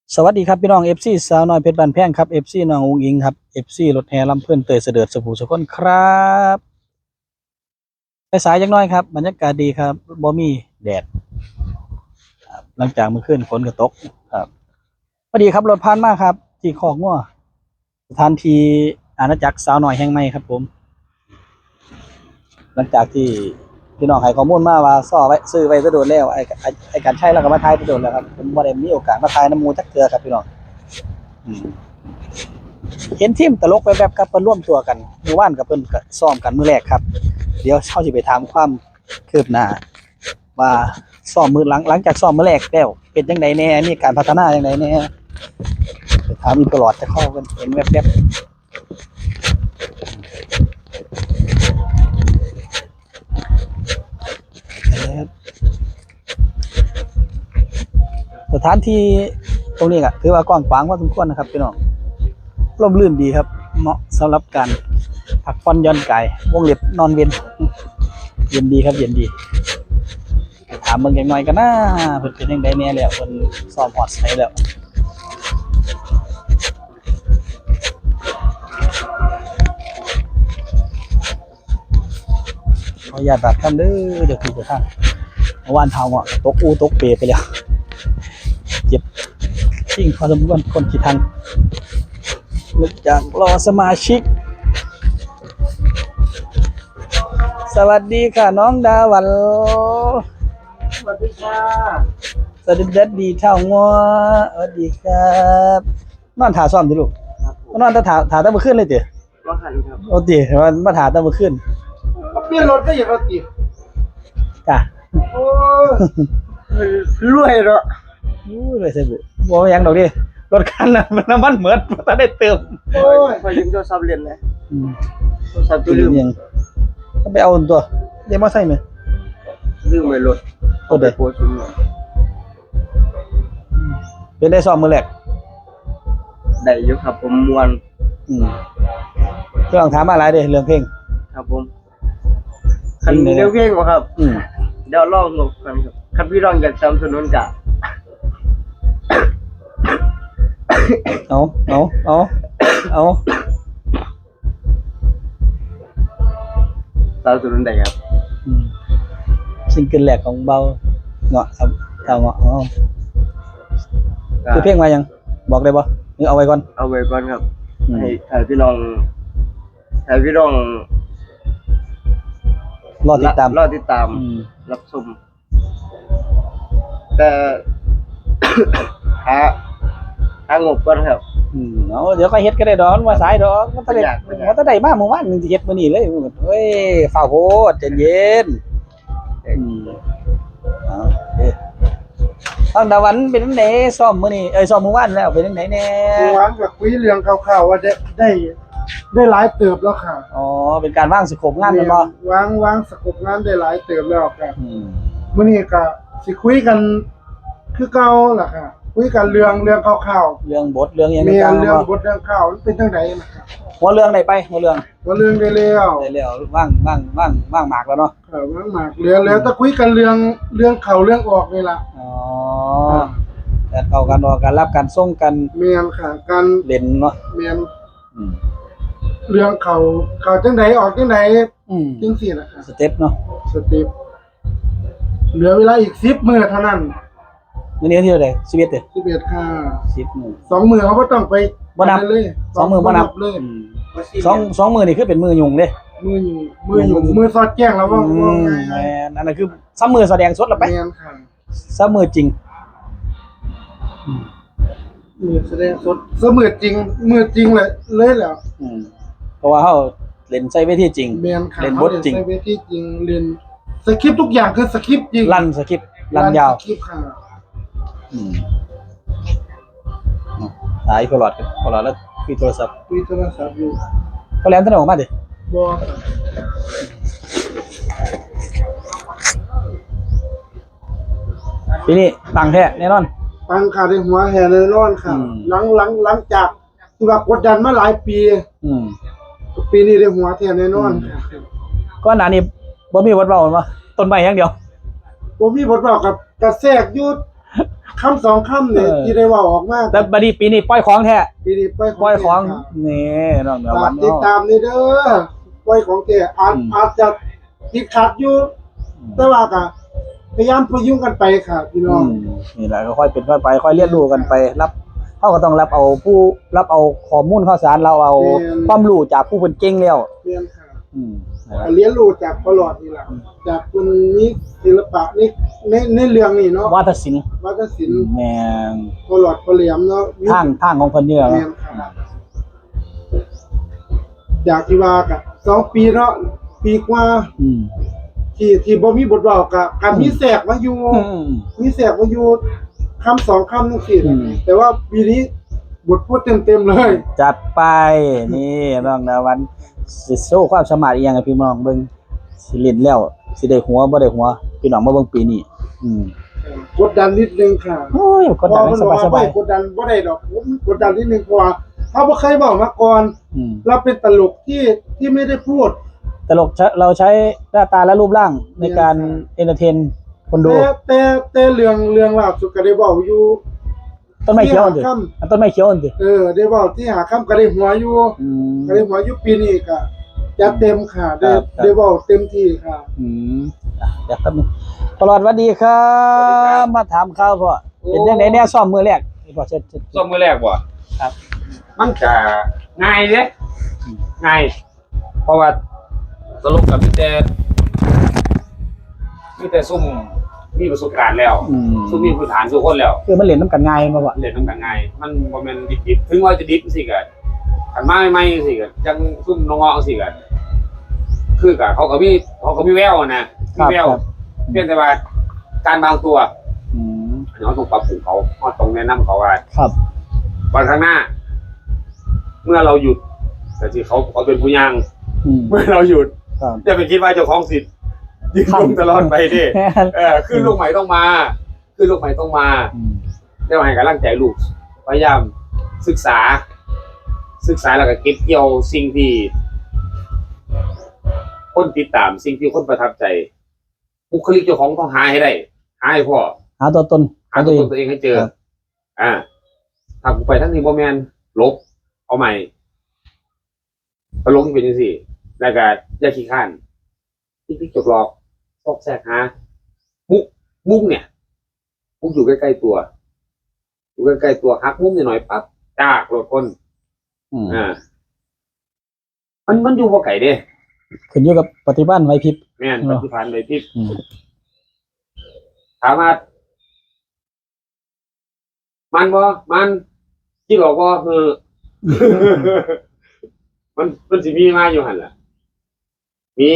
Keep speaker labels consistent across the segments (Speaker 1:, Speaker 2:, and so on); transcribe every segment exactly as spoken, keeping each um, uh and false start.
Speaker 1: สวัสดีครับพี่น้อง เอฟ ซี สาวน้อยเพชรบ้านแพงครับ เอฟ ซี น้องอุ๋งอิงครับ เอฟ ซี รถแห่ลำเพิ่นเตยเสด็จสบู่สุคนครับไปสายจังน้อยครับบรรยากาศดีครับบ่มีแดดครับหลังจากเมื่อคืนฝนก็ตกครับพอดีครับรถผ่านมาครับที่คอกงัวสถานที่อาณาจักรสาวน้อยแห่งใหม่ครับผมหลังจากที่พี่น้องให้ข้อมูลมาว่าซ้อไว้ซื้อไว้จะโดนแล้วไอ้ไอ้ไอ้การใช้แล้วก็มาทายจะโดนแล้วครับผมบ่ได้มีโอกาสมาทายน้ำหมูจักเทื่อครับพี่น้องอืม เห็นทีมตลกไปแบบกับเพิ่นร่วมตัวกันเมื่อวานกับเพิ่นก็ซ้อมกันมื้อแรกครับเดี๋ยวเฮาสิไปถามความคืบหน้าว่าซ้อมมื้อหลังหลังจากซ้อมมื้อแรกแล้วเป็นจังไดแหน่มีการพัฒนาจังไดแหน่ไปถามอีกตลอดจะเข้าเพิ่นเห็นแวบๆสถานที่ตรงนี้ก็ถือว่ากว้างขวางพอสมควรนะครับพี่น้องร่มรื่นดีครับเหมาะสำหรับการพักผ่อนหย่อนกายวงเล็บนอนเว้นเย็นดีครับเย็นดีถามเบิ่งจักหน่อยก็น่าเพิ่นเป็นจังไดแหน่แล้วเพิ่นซ้อมฮอดไสแล้วขออนุญาตบาดคำเด้อเดี๋ยวคือจะทางเมื่อวานเท้าอ่ะตกอูตกเปไปแล้วเจ็บจริงพอสมควรคนขี้ทันนึกจากรอสมาชิกสวัสดีค่ะน้องดาวัน
Speaker 2: สวัสดีค่ะ
Speaker 1: สวัสดีเด็ดดีเท่างัวสวัสดีครับนอนถาซ้อมดิลูกนอนถาถาถาตั้งเมื่อคืนเลยเตี๋ย
Speaker 2: ว่าหันครับ
Speaker 1: โอ้เตี๋ยมันมาถาตั้งเมื่อคืน
Speaker 2: เปลี่ยนรถก็อย่างรถติด
Speaker 1: จ้ะ
Speaker 2: โอ้รวยเนาะ
Speaker 1: อู้เลยเสบุบ่ว่าหยังดอกดิรถคันน่ะมันน้ำมันเหมือนบ่ทันได้เติม
Speaker 2: โอ้ยพอยืมโทรศัพท์เรียนเลย
Speaker 1: อืม
Speaker 2: โทรศัพท์ตัวลืม
Speaker 1: ยังก็ไปเอาตัวเดี๋ยวมาใส่ไหม
Speaker 2: ลืมไว้รถ
Speaker 1: โอ้เด้
Speaker 2: โพสต์ซุ่มเนี่ย
Speaker 1: เป็นได้ซ้อมมื้อแรก
Speaker 2: ได้อยู่ครับผมมวน
Speaker 1: อืมเรื่องถามมาหลายเด้เรื่องเพลง
Speaker 2: ครับผมคันเดียวเพลงบ่ครับ
Speaker 1: อืม
Speaker 2: เดี๋ยวลองงบกันครับคันพี่น้องอยากสนับสนุนกะ
Speaker 1: เอาเอาเอาเอา
Speaker 2: สนับสนุนได้ครับ
Speaker 1: อืมซิงเกิลแรกของเบาเงาะครับเอาเงาะอ๋อคือเพลงมายังบอกได้บ่หรือเอาไว้ก่อน
Speaker 2: เอาไว้ก่อนครับ
Speaker 1: อืม
Speaker 2: ให้ให้พี่น้องให้พี่น้อง
Speaker 1: รอติดตาม
Speaker 2: รอติดตาม
Speaker 1: อืม
Speaker 2: รับชมแต่ หาหางบก่อนครับ
Speaker 1: อืมเอาเดี๋ยวค่อยเฮ็ดก็ได้ดอกมันว่าสายดอกมันตะได้
Speaker 2: บ่ยากบ่ยาก
Speaker 1: มันตะได้มาเมื่อวานนี่สิเฮ็ดมื้อนี้เลยเฮ้ยฟ้าวโพดใจเย็นอืมเอาโอเคตั้งดาวันเป็นจังไดซ้อมมื้อนี้เอ้ยซ้อมเมื่อวานแล้วเป็นจังไดแน่
Speaker 3: เมื่อวานก็คุยเรื่องคร่าวๆว่าได้ได้ได้หลายเติบแล้วค่ะ
Speaker 1: อ๋อเป็นการวางสโคปงานแม่นบ่
Speaker 3: วางวางสกบงานได้หลายเติบแล้วค่ะ
Speaker 1: อืม
Speaker 3: มื้อนี้ก็สิคุยกันคือเก่าล่ะค่ะ คุยกันเรื่องเรื่องคร่าว
Speaker 1: เรื่องบทเรื่องหยัง
Speaker 3: ๆมี
Speaker 1: ต่างๆ
Speaker 3: เรื่อง
Speaker 1: บ่
Speaker 3: บทเรื่องข่าวมันเป็นจังไดนะครับ
Speaker 1: หัวเรื่องได้ไปหัวเรื่อง
Speaker 3: ว่าเรื่องได้แล้ว
Speaker 1: ได้แล้วว่างว่างว่างว่างหมากแล้วเนาะ
Speaker 3: เออวางมากเหลือแล้วถ้าคุยกันเรื่องเรื่องเข้าเรื่องออกนี่ล่ะ
Speaker 1: อ๋อการเข้ากันออกการรับการส่งกัน
Speaker 3: แม่นค่ะการ
Speaker 1: เล่นเนาะ
Speaker 3: แม่น
Speaker 1: อืม
Speaker 3: เรื่องเข้าเข้าจังไดออกจังได
Speaker 1: อืม
Speaker 3: จังซี่ล่ะค่ะ
Speaker 1: สเต็ปเนาะ
Speaker 3: สเต็ปเหลือเวลาอีกสิบมื้อเท่านั้น
Speaker 1: มื้อนี้วันที่เท่าใดสิบเอ็ดเด้อ
Speaker 3: สิบเอ็ดค่ะ
Speaker 1: สิบมื้อ
Speaker 3: สองมือเขาก็ต้องไป
Speaker 1: บ่นับ
Speaker 3: เลย
Speaker 1: สองมื้อบ่นับ
Speaker 3: เลย
Speaker 1: อืมสองสองมื้อนี่คือเป็นมื้อยุ่งเด้
Speaker 3: มืออยู่มืออยู่มือสอดแจ้งแล้วว่า
Speaker 1: อื
Speaker 3: ว่าม ไง
Speaker 1: แม่นอันนั้นคือซ้ำมื้อแสดงสดแล้วไป
Speaker 3: แมนค่ะ
Speaker 1: ซ้ำมื้อจริง
Speaker 3: มือแสดงสดเสมือจริงมือจริงเลยเลยแล้ว
Speaker 1: อืมเพราะว่าเฮาเล่นใช้เวทีจริง
Speaker 3: แมนค่ะ
Speaker 1: เล่นบทจริง
Speaker 3: เขาเล่นในเวทีจริงเรียนสคริปต์ทุกอย่างคือสคริปต์จริง
Speaker 1: ลั่นสคริปต์ลั่นยาว
Speaker 3: สคริปต์ค่ะ
Speaker 1: อืมหายพลอดกันพลอดแล้วคุยโทรศัพท์
Speaker 3: คุยโทรศัพท์อยู่
Speaker 1: ก็แล้วท่านออกมาดิ
Speaker 3: บอ
Speaker 1: ทีนี้ตังแท้แน่นอน
Speaker 3: ปังขาดในหัวแห่เลยร้อนค่ะ
Speaker 1: อืม
Speaker 3: หลังหลังหลังจากที่ว่ากดดันมาหลายปี
Speaker 1: อืม
Speaker 3: ปีนี้ได้หัวแทนแน่นอนค่ะ
Speaker 1: ก็หน้านี้บ่มีวัดเว้าบ่ต้นไม้อย่างเดียว
Speaker 3: ผมมีบทบาทกับกระแทรกอยุดคำสองคำเนี่ยที่ได้เว่าออกมา
Speaker 1: แต่บัดนี้ปีนี้ปล่อยของแท้
Speaker 3: ปีนี้ปล่อย
Speaker 1: ปล่อยของ
Speaker 3: แท้ครับ
Speaker 1: นี่น้องเดี๋ยววัน
Speaker 3: ติด
Speaker 1: เนาะ
Speaker 3: ตามนี่เด้อปล่อยของแท้อาจ
Speaker 1: อืม
Speaker 3: อาจจะติดขัดอยู่ แต่ว่าก็พยายามพยุงกันไปค่ะพี่น้อง
Speaker 1: อืมนี่แหละก็ค่อยเป็นค่อยไปค่อยเรียนรู้กันไปรับเขาก็ต้องรับเอาผู้รับเอาข้อมูลข่าวสารเราเอาความรู้จากผู้เพิ่นเก่งแล้ว
Speaker 3: เรียนค่ะ
Speaker 1: อืมนะครับ
Speaker 3: เรียนรู้จากพอหลอดนี่แหละจากคนนี้ศิลปะนี่ในในเรื่องนี้เนาะ
Speaker 1: วาทศิลป์
Speaker 3: วัฒนศิลป์
Speaker 1: แม่น
Speaker 3: พอหลอดพอเหลี่ยมเนาะ
Speaker 1: ทางทางของเพิ่นเนี่ย
Speaker 3: เรียนค่ะจากที่ว่ากับสองปีเนาะปีกว่า
Speaker 1: อืม
Speaker 3: ที่ที่บ่มีบทบอกกับกับมีแสกมาอยู่
Speaker 1: อืม
Speaker 3: มีแสกมาอยู่คำสองคำนึงสิ
Speaker 1: อืม
Speaker 3: แต่ว่าปีนี้บทพูดเต็มๆเลย
Speaker 1: จัดไปนี่น้องนะวันสิโชว์ความสามารถอีหยังให้พี่น้องเบิ่งสิเล่นแล้วสิได้หัวบ่ได้หัวพี่น้องมาเบิ่งปีนี้อืม
Speaker 3: กดดันนิดนึงค่ะ
Speaker 1: โอ้ยกดดันให้
Speaker 3: เพระว่
Speaker 1: สบาย
Speaker 3: กดดันบ่ได้ดอกผมกดดันนิดนึงเพราะว่าเขาบ่เคยบอกมาก่อน
Speaker 1: ๆอืม
Speaker 3: เราเป็นตลกที่ที่ไม่ได้พูด
Speaker 1: ตลกใช้เราใช้หน้าตาและรูปร่างในการเอนเตอร์เทนคนดู
Speaker 3: แต่แต่แต่เรื่องเรื่องล่าสุดก็ได้บอกอยู่
Speaker 1: ต้นไม้เขียวอันสิ
Speaker 3: ที่หาค่
Speaker 1: อันต้นไม้เขียวอันสิ
Speaker 3: เออได้บอกที่หาคำก็ได้หัวอยู่
Speaker 1: อืม
Speaker 3: ก็ได้หัวอยู่ปีนี้ก็จะเต็มค่ะได้
Speaker 1: ครับครับ
Speaker 3: ได้บอกเต็มที่ค่ะ
Speaker 1: อืมอ่ะเดี๋ยวครับตลอดสวัสดีครับ มาถามข่าวพ่อเป็นจังไดแน่ซ่อมมือแรกนี่พ่อเชิญเชิญ
Speaker 4: ส้มมือแรกบ่
Speaker 1: ครับ
Speaker 4: มันจะง่ายเด้ง่ายเพราะว่าตลกกับมีแต่มีแต่ซุ่มมีประสบการณ์แล้ว
Speaker 1: อืม
Speaker 4: ซุ่มมีพื้นฐานทุกคนแล้ว
Speaker 1: คือมันเล่นน้ำกันง่ายมาพ่อ
Speaker 4: เล่นตั้งแต่ง่ายมันบ่แม่นดิบๆถึงว่าจะดิบสิก็คันมาใหม่ๆสิก็จังซุ่มน้องๆสิก็คือก็เขาก็มีเขาก็มีแววนะมีแวว
Speaker 1: ครับ
Speaker 4: เพียงแต่ว่าการบางตัว
Speaker 1: อืม
Speaker 4: เราต้องปรับปรุงเขาเราต้องแนะนำเขาว่า
Speaker 1: ครับ
Speaker 4: วันข้างหน้า เมื่อเราหยุดแต่ที่เขาเขาเป็นผู้ย่าง
Speaker 1: อืม
Speaker 4: เมื่อเราหยุด
Speaker 1: ครับ
Speaker 4: อย่าไปคิดว่าเจ้าของสิทธิ์ยืนลงตลอดไปดิเออขึ้นลูกใหม่ต้องมาขึ้นลูกใหม่ต้องมา
Speaker 1: อืม
Speaker 4: ได้ให้กำลังใจลูกพยายามศึกษา ศึกษาแล้วก็เก็บเกี่ยวสิ่งที่คนติดตามสิ่งที่คนประทับใจบุคลิกเจ้าของต้องหาให้ได้หาให้พ่อ
Speaker 1: หาตัวตนข
Speaker 4: หา
Speaker 1: อง
Speaker 4: ตั
Speaker 1: ตัว วเอง
Speaker 4: ตนตัวเองให้เจอ
Speaker 1: ครับ
Speaker 4: อ่าถ้ากูไปทั้งนี้บ่แมนลบ เอาใหม่ตลกที่เป็นยังสี่แล้วก็อย่าขี้ข้านที่พี่จกหลอกซอกแซกหามุกมุกเนี่ย มุกอยู่ใกล้ๆตัว อยู่ใกล้ๆตัวฮักมุกนิดหน่อยปั๊บจากโหลดคน
Speaker 1: อืม
Speaker 4: อ่า มันมันอยู่บ่ไก่เด้
Speaker 1: ขึ้นอยู่กับปฏิบัติไหวพริบ
Speaker 4: แม่น
Speaker 1: เหร
Speaker 4: ป
Speaker 1: อ
Speaker 4: ฏิพันธ์เลยพี่
Speaker 1: อืม
Speaker 4: ถามว่ามันบ่มันที่บอกว่าคือ มันมันสิมีมาอยู่หันล่ะ มี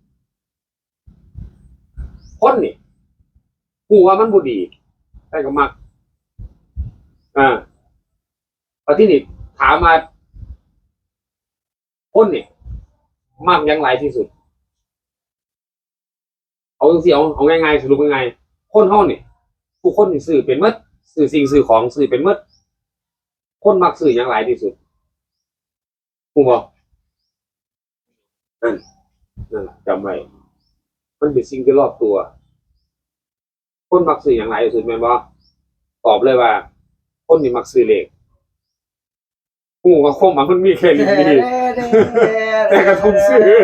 Speaker 4: คนนี่ผู้ว่ามันบ่ดีแต่ก็มัก อ่าพอที่นี่ถามมาคนนี่มักหยังหลายที่สุด เอาจังซี่เอาเอาง่ายๆสรุปง่ายๆคนเฮานี่ทุกคนนี่ซื้อเป็นหมดซื้อสิ่งซื้อของซื้อเป็นหมดคนมักซื้อหยังหลายที่สุดฮู้บ่นั่นนั่นล่ะจำไว้มันเป็นสิ่งที่รอบตัว คนมักซื้อหยังหลายที่สุดแม่นบ่ตอบเลยว่า คนนี่มักซื้อเลขฮู้ว่าคมมันมันมีแค่นี้แต่ก็ต้องซื้อ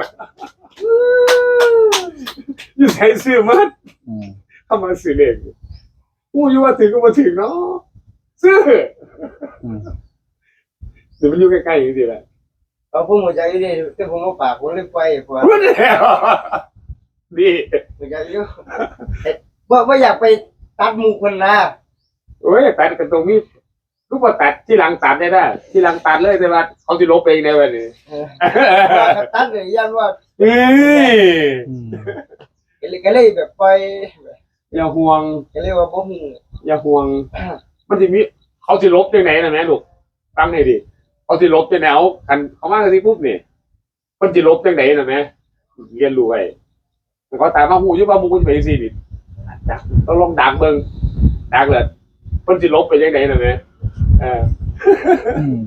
Speaker 4: อยู่ใช้ซื้อมัด
Speaker 1: อืม
Speaker 4: เข้ามาซื้อเลขกูอยู่ว่าถึงก็มาถึงเนาะซื้อ
Speaker 1: อืม
Speaker 4: หรือมันอยู่ใกล้ๆอย่างนี้แหละ
Speaker 2: เอาผมหัวใจนี่แต่ผมเอาปากผมเลยไปพอ
Speaker 4: พูดแล้วนี่
Speaker 2: หัวใจอยู่ว่าว่าอยากไปตัดหมูคนนะ
Speaker 4: โอ้ยตัดกันตรงนี้ลูกว่าตัดที่หลังตัดได้ได้ที่หลังตัดเลยแต่ว่าเขาจะลบเองในวันนี้
Speaker 2: เออว่าตัดเลยยันว่า
Speaker 4: เอ้ย
Speaker 1: อืม
Speaker 2: ก็เลยก็เลยแบบไป
Speaker 4: อย่าห่วง
Speaker 2: ก็เลยว่าบ่ฮู้
Speaker 4: อย่าห่วง มันจะมีเขาจะลบยังไงนะแม่ลูกตั้งให้ดิเขาจะลบยังไงเอาคันเขามากันที่ปุ๊บนี่มันจะลบยังไงนะแม่เรียนรู้ไว้เขาตามมาหูอยุบมามูจะไปยังสี่นี่ดักต้องลองดักเบิ่งดักเลยมันจะลบไปยังไงนะแม่เออ
Speaker 1: อืม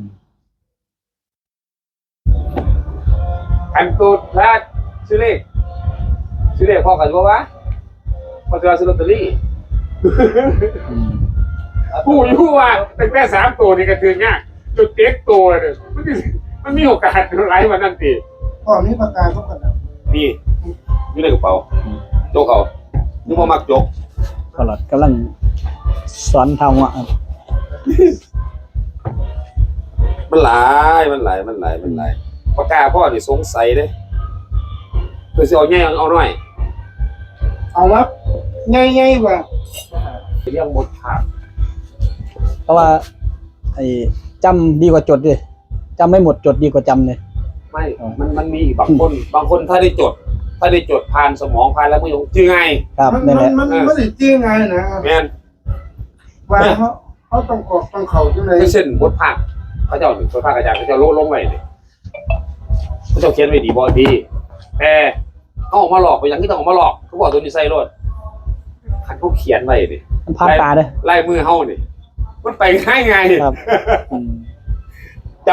Speaker 4: อันตูดพลาดซื้อเลขซื้อเลขพ่อกันว่าวะพ่อจะซื้อลอตเตอรี่
Speaker 1: อืม
Speaker 4: ผู้อยู่ว่าตั้งแต่สามตัวนี่ก็ถือง่ายจุดเต็กตัวเนี่ยมันสิมันมีโอกาสไหลมานั่นตี
Speaker 3: พ่อมีปากกาเขากันนะ
Speaker 4: นี่อยู่ในกระเป๋าโจกเอานึกว่ามักโจก
Speaker 1: พอหลอดกำลังสอนทำอ่ะครับ
Speaker 4: มันหลายมันหลายมันหลายมันหลายปากกาพ่อนี่สงสัยเด้คือสิเอาแง่เอาหน่อย
Speaker 3: เอาวับง่ายๆว่า
Speaker 4: เรื่องหมดขาด
Speaker 1: เพราะว่าไอ้จำดีกว่าจดดิจำไม่หมดจดดีกว่าจำเลย
Speaker 4: ไม่ มันมันมีบางคน บางคนถ้าได้จด ถ้าได้จดผ่านสมองผ่านแล้วมือจือไง
Speaker 1: ครับ
Speaker 3: มัน
Speaker 1: นี่แห
Speaker 3: มัน
Speaker 1: ละ
Speaker 3: มันไม่ได้จริงไงนะ
Speaker 4: แม่น
Speaker 3: ว่าเขาเขาต้องกรอกต้องเข่าจังได
Speaker 4: ไม่เช่นบทภาคเขาเจ้าหนึ่งบทภาคอาจารย์เขาเจ้าโลลงไว้เนี่ยเขาเจ้าเขียนไว้ดีบ่ดีแต่เขาออกมาหลอกไปอย่างที่ต้องออกมาหลอกเขาบอกตัวนี้ใส่รถคันเขาเขียนไว้นี่
Speaker 1: มันพลาดตาเด้อ
Speaker 4: ลายมือเฮานี่มันไปง่ายไง
Speaker 1: ครับอืม
Speaker 4: จ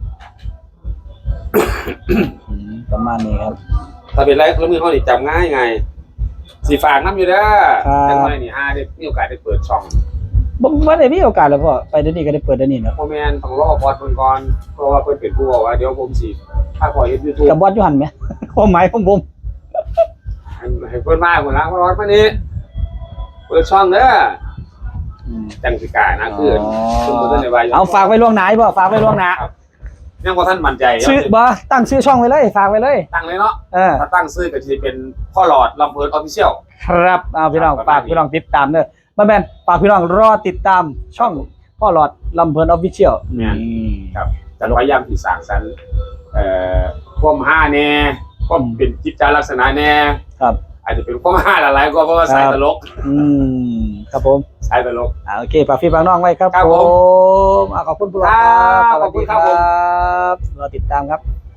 Speaker 1: อืมประมาณนี้ครับ
Speaker 4: ำถ้าเป็นลายมือเฮานี่จำง่ายไงสีฝากน้ำอยู่เด้อ
Speaker 1: ครับ
Speaker 4: จังไรนี่ฮาได้มีโอกาสได้เปิดช่อง
Speaker 1: บ่บ่ได้มีโอกาสแล้วพ่อไปเดี๋ยวนี้ก็ได้เปิดเดี๋ยวนี้เนาะ
Speaker 4: พ่อแม่นต้องรอบอดเพิ่นก่อนเพราะว่าเพิ่นเป็นผู้บอกว่าเดี๋ยวผมสิถ้าขอเฮ็ด YouTube
Speaker 1: กับบอสอยู่หันไหม ความหมายของผม
Speaker 4: ให้เพิ่นมาพุ่นละรอดมานี่เปิดช่องเด้อ
Speaker 1: อืม
Speaker 4: จังสิกล้านะคือเพิ่นบ่ทันได้ว่าอยู่
Speaker 1: เอาฝากไว้ล่วงหน้าบ่ฝากไว้ล่วงหน้า
Speaker 4: ยังบ่ทันมั่นใจ
Speaker 1: ชื่อบ่ตั้งชื่อช่องไว้เลยฝากไว้เลย
Speaker 4: ตั้งเลยเนาะ
Speaker 1: เออ
Speaker 4: ถ้าตั้งชื่อก็สิเป็นพ่อหลอดลำเพิ่น Official
Speaker 1: ครับเอาพี่น้อง
Speaker 4: ครับ
Speaker 1: ฝากพี่น้องติดตามเด้อมาแม่นฝากพี่น้องรอติดตามช่องพ่อหลอดลำเพลินออฟฟิเชียล
Speaker 4: แม่น ครับจะพยายามที่สร้างสรรค์เอ่อความห้าแน่ความเป็นจิตใจลักษณะแน่
Speaker 1: ครับ
Speaker 4: อาจจะเป็นความห้าหลายๆก็เพราะว่าสายตลก
Speaker 1: อืมครับผม
Speaker 4: สายตลก
Speaker 1: อ่าโอเคฝากพี่ฝากน้องไว้ครับ
Speaker 4: ครับ
Speaker 1: ผ
Speaker 4: ผม
Speaker 1: มอ่าขอบคุณผู้ชม
Speaker 4: ครับ
Speaker 1: สวัสดี
Speaker 4: ขอบคุณครับผม
Speaker 1: รอติดตามครับ